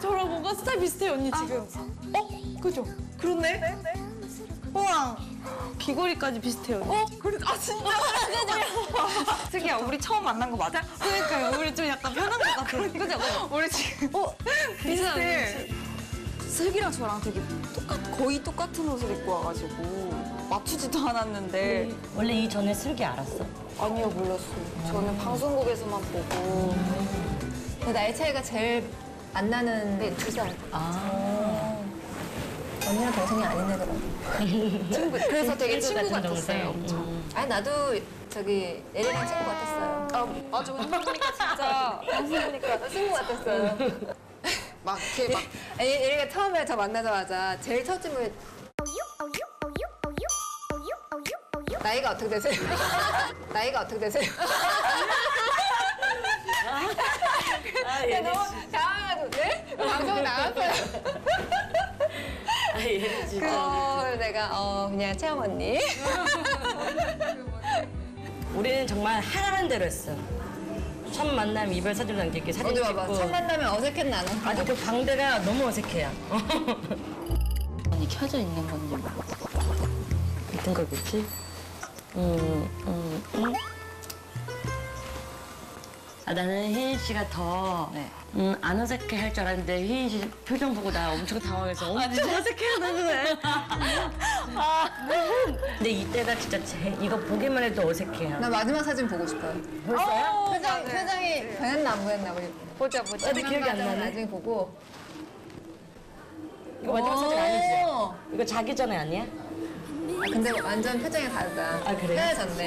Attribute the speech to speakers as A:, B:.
A: 저랑 뭔가 스타일 비슷해요, 언니 지금. 그죠? 그렇네? 우와. 귀걸이까지 비슷해요. 언니.
B: 그래, 아 진짜? 슬기야, 우리 처음 만난 거 맞아?
A: 그러니까요. 우리 좀 약간 편한 것 같아요. 그죠?
B: 우리 지금
A: 비슷해.
B: 슬기랑 저랑 되게 거의 똑같은 옷을 입고 와가지고 맞추지도 않았는데
C: 원래 이전에 슬기 알았어?
B: 아니요, 몰랐어요. 저는 방송국에서만 보고.
D: 근데 나이 차이가 제일 안 나는
B: 네, 2살.
D: 언니랑 동생이 아닌 애더라고.
B: 친구. 그래서 되게 친구
C: 같은
B: 같았어요.
C: 동생.
B: 엄청.
D: 아니 나도 저기 예리랑 친구 같았어요.
B: 맞아, 방송 보니까 진짜. 방송 보니까
D: 친구 같았어요.
B: 막 이렇게 막.
D: 아니, 예리가 처음에 저 만나자마자 제일 첫 질문이 나이가 어떻게 되세요? 나이가 어떻게 되세요? 너무 당황해가지고 네? 방송 나왔어요.
C: 얘 진짜.
D: 그래서 내가 그냥 채영 언니.
C: 우리는 정말 하라는 대로 했어. 첫 만남 이별 사진 남기기 사진
D: 어디
C: 찍고.
D: 봐봐. 첫 만나면 어색했나 안
C: 아주 그 광대가 너무 어색해요.
B: 언니 켜져 있는 건지
C: 같은 거겠지? 아, 나는 휘인 씨가 더,
B: 네.
C: 안 어색해 할 줄 알았는데, 휘인 씨 표정 보고 나 엄청 당황해서 엄청 어색해 하는 거야. 근데 이때가 진짜 이거 보기만 해도 어색해요.
D: 나 마지막 사진 보고 싶어요.
C: 벌써요?
D: 표정이 변했나 안 변했나 보자.
C: 근데 기억이 안 나네.
D: 나중에 보고.
C: 이거 마지막 사진 아니지? 이거 자기 전에 아니야?
D: 근데 완전 표정이 다르다.
C: 아, 그래요?
D: 헤어졌네.